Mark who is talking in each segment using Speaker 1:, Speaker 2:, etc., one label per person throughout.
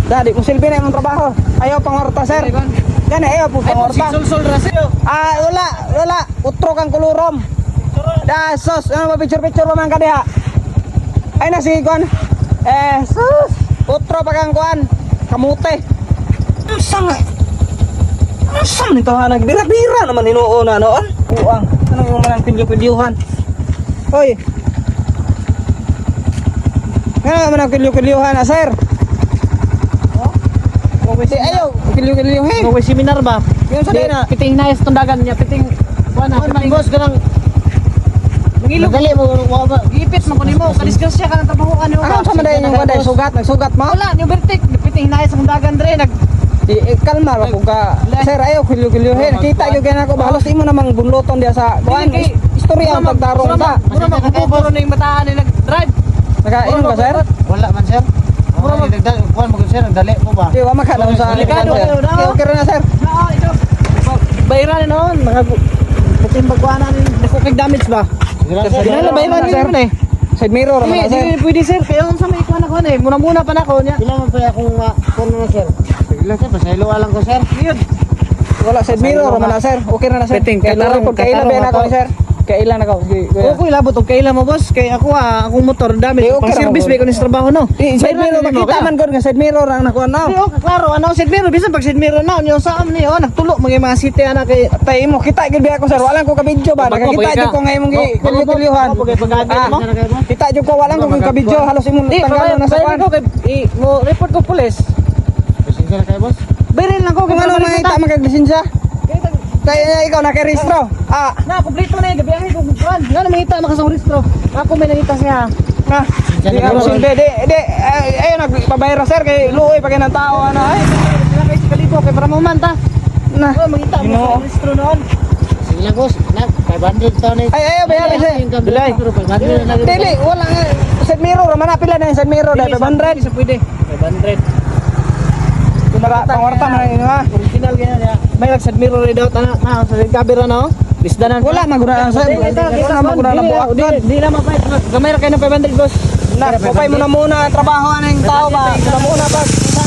Speaker 1: Dadi mo silbi na imong trabaho. Ayaw pangorta sir. Gani ayaw po pangorta.
Speaker 2: Sul rasyo.
Speaker 1: Wala. Utro kang kulurom. Sos, ano ba picture pa man ka diha? Ay na sige kon. Sus. Utro pa kang kuan. Kamute. Sang nito ha nagbira-bira naman inuuna noon. Uang. Ano yung manang pilyo-pilyuhan? Hoy. Ano man ang pilyo-pilyuhan na sir? Ayaw, kilyo-kilyohin.
Speaker 2: May seminar ba?
Speaker 1: Yung sa na.
Speaker 2: Piting hinayas tundagan niya, piting kuana, piting boss ganang mangilog. Dali mo, gipit man kunin mo, kadiskusya ka ng trabaho ano ba?
Speaker 1: Ano sa madayon yung kuan nagsugat mo?
Speaker 2: Wala, ni vertic, piting hinayas tundagan dre nag
Speaker 1: kalma ra ko ka. Sir, ayaw kilyo-kilyohin. Kita gyud kana ko bahalos imo namang bunloton dia sa kuan. Istorya ang pagtarong ta.
Speaker 2: Mura makapuro na yung mataan ni nag-drive.
Speaker 1: Naka-inom ba sir?
Speaker 3: Wala man sir. Mura magdagdag kuan mo sir, dali mo ba?
Speaker 1: Di wa makadaw sa
Speaker 2: Delikado
Speaker 1: sir. Okay ra na sir.
Speaker 2: Oo, ito. Bayaran noon, puting pagkuana ni nakukig damage ba?
Speaker 1: Sir, bayaran sir. Side mirror man sir.
Speaker 2: Hindi pwede sir, kaya sa may kuan ako na eh. Muna pa na ako niya.
Speaker 3: Ilan man pa akong kuan na sir. Bigla sir, pasaylo lang ko sir.
Speaker 2: Yun.
Speaker 1: Wala side mirror man na sir. Okay na sir.
Speaker 2: Piting,
Speaker 1: Kaya tarong pag kailan ba na ako ni sir? Kailan ako?
Speaker 2: Okay labot og kailan mo boss kay ako akong motor damage
Speaker 1: Okay
Speaker 2: pang
Speaker 1: ra
Speaker 2: service
Speaker 1: mo.
Speaker 2: ba ko ni sa trabaho no.
Speaker 1: Side mirror makita man gud nga side mirror ang nakuha na.
Speaker 2: Okay, klaro ano side mirror bisan pag side mirror na yung sa am ni nagtulo mga city ana kay
Speaker 1: Tay mo kita gid biya ko sir. Walang ko ka video ba? Nakakita jud ko nga imong kilyo-kilyuhan. Kita jud ko walang ko ka video halos imong tanggal na sa kuan.
Speaker 2: ko kay mo report ko pulis.
Speaker 3: Pasensya kay boss.
Speaker 2: Bayrin lang ko
Speaker 1: Kung ano makita magaglisensya. Kaya ikaw nakarehistro.
Speaker 2: Na kompleto na yung gabiyahe ko kuan. Nga na makita makasang registro. Ako may nakita siya.
Speaker 1: Na. Di ako silbi. Di. Ayun nagpabayra sir kay luoy pag ng tao ano ay.
Speaker 2: Sila kay kalipo kay para mo man ta.
Speaker 1: Na.
Speaker 2: Oh, makita mo sa registro noon.
Speaker 3: Sila boss, na 500 taon
Speaker 1: Ay ayaw bayaran sir.
Speaker 3: Bilay. 500 na
Speaker 1: Dili wala nga side mirror man pila na yung side mirror dahil 500.
Speaker 2: Isa pwede. 500.
Speaker 1: Kumara pangwarta man yun ha.
Speaker 2: Original kaya niya. May nagsad mirror rin daw na sa camera na oh. Bisdanan.
Speaker 1: Wala maguna sir. Wala maguna na buak doon.
Speaker 2: Di na mapait. Gamay ra kayo ng 500 boss.
Speaker 1: Na, papay mo na muna ang trabaho ng tao ba? Muna pa.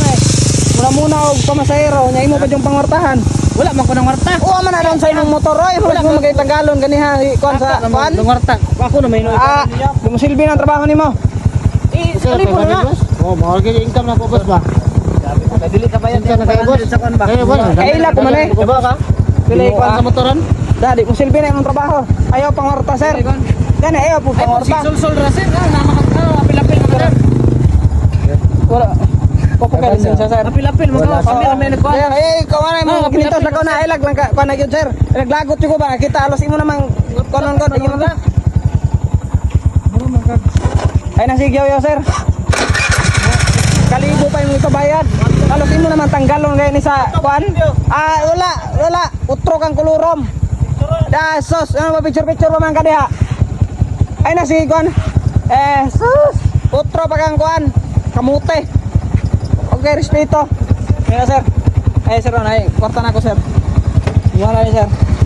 Speaker 1: Muna og pamasahero, nya imo pa yung pangwartahan.
Speaker 2: Wala man ko ng warta.
Speaker 1: Oo man na doon sa imong motor oy, wala mo magay tagalon ganiha kuan sa kuan.
Speaker 2: Ng warta. Ako na may
Speaker 1: Mo silbi ng trabaho nimo.
Speaker 2: Sorry po na.
Speaker 3: Oh, mahal kay income na po boss ba?
Speaker 2: Dili ka bayan
Speaker 3: Pasensya na kayo boss.
Speaker 2: sa kan ba?
Speaker 3: Kayo boss.
Speaker 1: Kaila ko man eh.
Speaker 2: Diba ka? Pila ikuan sa motoran?
Speaker 1: Dadi mo silbi na imong trabaho. Ayaw pangwarta sir. Gani ayaw po pangwarta.
Speaker 2: Sul rasin apil-apil mo sir.
Speaker 1: Wala. Popokal lisensya sir.
Speaker 2: Apil-apil mo ka. Kami may nagkuan.
Speaker 1: Ikaw na mo ginito sa ko na ilag lang ka na gyud sir. Naglagot ko ba kita alos imo namang konon ko imo ba? Ay nasigyaw yo sir. Kalibo pa yung ipabayad. Halos imo naman tanggalon kay ni sa kuan. Wala. Utro kang kulurom. Sos, ano ba picture pa man ka diha? Ay na sige kuan. Sus. Utro pa kang kuan. Kamute. Okay, respeto. Kaya sir. Sir, kwarta na ako sir. Wala ni sir.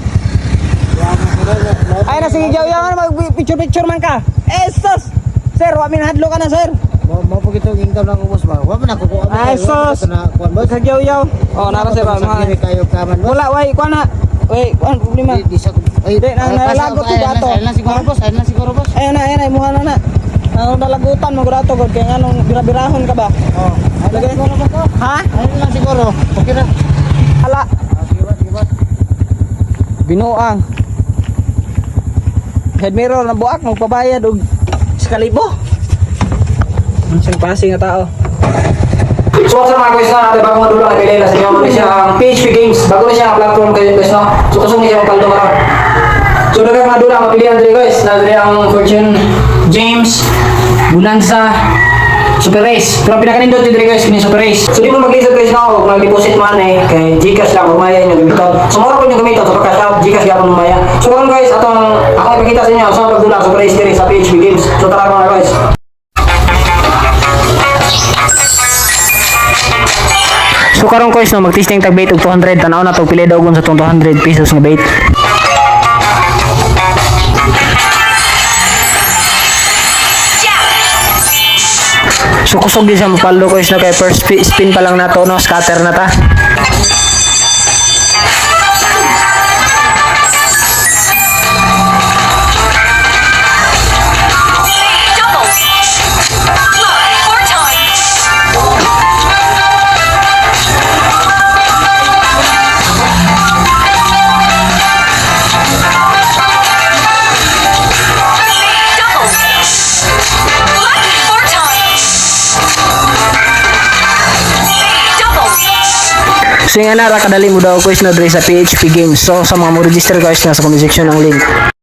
Speaker 1: Ay na sige yaw mag picture man ka. Sus. Sir, wa minahadlo ka na sir.
Speaker 3: Mo po gito income na ko boss ba? Wa man ako ko.
Speaker 1: Ay sus.
Speaker 3: Kuan boss.
Speaker 1: Sagyaw-yaw. Oh, nara sir.
Speaker 3: Kiri kayo kaman boss.
Speaker 1: Wala, way, kuan na. Way, kuan problema.
Speaker 3: Di sa ay
Speaker 1: nalagot ko dato.
Speaker 3: Ayun lang siguro boss.
Speaker 1: Ayun na, imuha na. Ang dalagutan mo dato gud kay nganong birabirahon ka ba?
Speaker 3: Oh. Lagay ko na ko.
Speaker 1: Ha?
Speaker 3: Ayun lang siguro. Okay na.
Speaker 1: Hala,
Speaker 3: Sige boss.
Speaker 1: binuang. Head mirror na buak magpabayad og 1,000. Ang sing passing nga tao. So what's up mga guys na bago madulang ay pilay na sa inyo na siya ang PHP Games. Bago na siya ang platform kayo guys no. So kusong niya ang kaldo karon. So dagang madulang mapilihan diri guys. Na diri ang Fortune James Bonanza Super Race. Pero pinakanindot diri guys kini Super Race. So di mo mag-isip guys no kung mag-deposit man kay GCash lang umaya inyo gamiton. So moro ko yung gamiton so cash out GCash gyapon umaya. So karon guys atong ako ipakita sa inyo sa pagdulang Super Race diri sa PHP Games. So tara mga guys. So karon guys no mag-testing tag bait og 200 tanaw na tog pili daw sa 200 pesos nga bait. So So kusog din siya mapalo ko is no kay first spin pa lang nato no, scatter na ta. So yung anara kadali mo daw ko is no dre sa PHP Games. So sa mga mo register guys na sa comment section ang link.